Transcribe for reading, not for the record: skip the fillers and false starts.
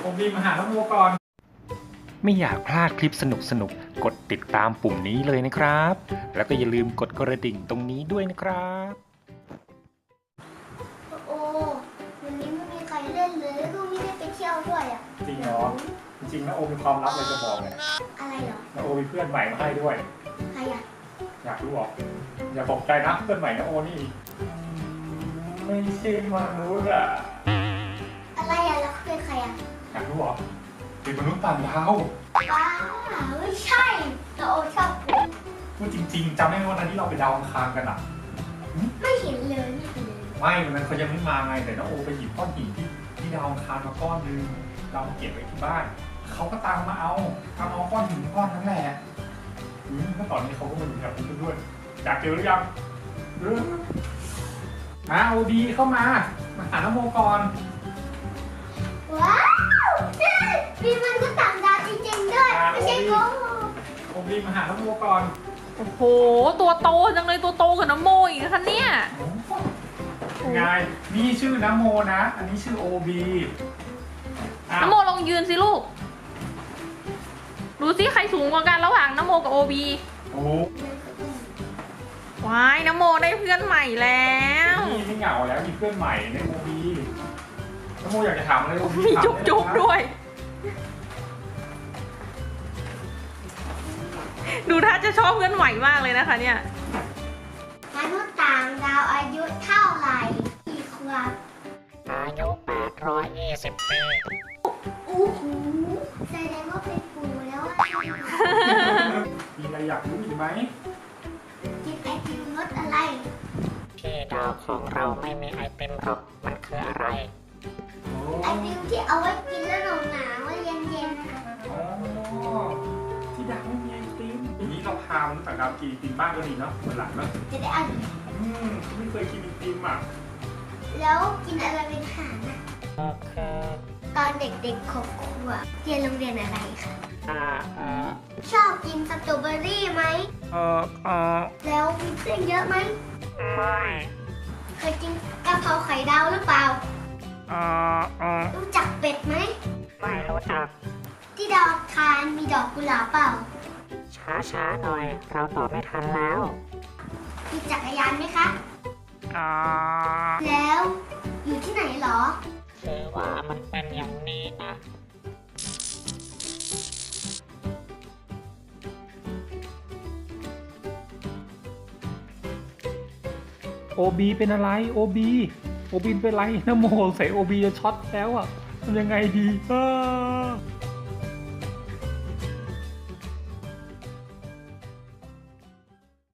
ผมรีบมาหาน้องโมก่อนไม่อยากพลาดคลิปสนุกกดติดตามปุ่มนี้เลยนะครับ แล้วก็อย่าลืมกดกระดิ่งตรงนี้ด้วยนะครับโอ้วันนี้ไม่มีใครเล่นเลยแล้วก็ไม่ได้ไปเที่ยวด้วยอ่ะจริงเหรอจริงๆนะโอมีความลับอะไรจะบอกเลยอะไรเหรอนะโอมีเพื่อนใหม่มาให้ด้วยใครอ่ะอยากรู้หรออย่าตกใจนะเพื่อนใหม่นะโอนี่ไม่ใช่มนุษย์อะอะไรอ่ะแล้วเป็นใครอ่ะอยากรู้หรอเป็นมนุษย์ต่างดาวว้าไม่ใช่แต่โอชอบกูพูดจริงๆจำได้ไหมวันนั้นที่เราไปดาวอังคารกันอะไม่เห็นเลยไม่เห็นเลยไม่วันนั้นเขายังไม่มาไงแต่นะโอไปหยิบก้อนหินที่ดาวอังคารมาก้อนนึงเราเก็บไว้ที่บ้านเขาก็ตามมาเอาก้อนหินก้อนนั้นแหละเมื่อตอนนี้เขาก็มาดูแถวนี้ด้วยอยากเจอหรือยังมาโอดีเข้ามาหาน้องโมก่อนว้าวมีมันก็ต่างดาวจริงๆด้วยไม่ใช่โกหกโอดีมาหาน้องโมก่อนโอ้โห ตัวโตจังเลยตัวโตกับน้ำโมอีกนะคะเนี่ยไงนี่ชื่อน้ำโมนะ อันนี้ชื่อโอบีน้ำโมลองยืนสิลูก ดูสิใครสูงกว่ากันระหว่างน้ำโมกับโอบีโอ้ว้ายน้ำโมได้เพื่อนใหม่แล้วนี่ไม่เหงาแล้วมีเพื่อนใหม่ในโอบีน้ำโมอยากจะถามอะไรโอบีมีถามจุ๊บได้จุ๊บนะด้วย ดูท่าจะชอบเพื่อนใหม่มากเลยนะคะเนี่ยมนุษย์ต่างดาวอายุเท่าไหร่กี่ขวบอายุ820 ปีอู้หูแสดงว่าเป็นปู่แล้วอะมีอะไรอยากรู้อีกไหมกินไอติมรสอะไรที่ดาวของเราไม่มีไอติมหรอกมันคืออะไรโอ้ไอติมที่เอาไว้กินแล้วหนาวๆเย็นๆนะคะอ๋อที่ดาวไม่มีไอติมทีนี้เราพามนุษย์ต่างดาวกินไอติมบ้างก็ดีเนาะวันหลังเนาะจะได้อร่อยไม่เคยกินไอติมอ่ะแล้วกินอะไรเป็นอาหารนะก็คือตอนเด็กๆ6 ขวบเรียนโรงเรียนอะไรคะอ่าชอบกินสตรอเบอรี่ไหม แล้วมีเส้นเยอะไหมไม่เคยกินกะเพราไข่ดาวหรือเปล่า รู้จักเป็ดไหมไม่รู้จักที่ดาวอังคารมีดอกกุหลาบเปล่าช้าหน่อย เราตอบไม่ทันแล้วมีจักรยานไหมคะอ่าแล้วอยู่ที่ไหนเหรอคือว่ามันเป็นอย่างนี้นะโอบีเป็นอะไรโอบีเป็นไรน้ำโมใส่โอบีจะช็อตแล้วอ่ะทำยังไงดี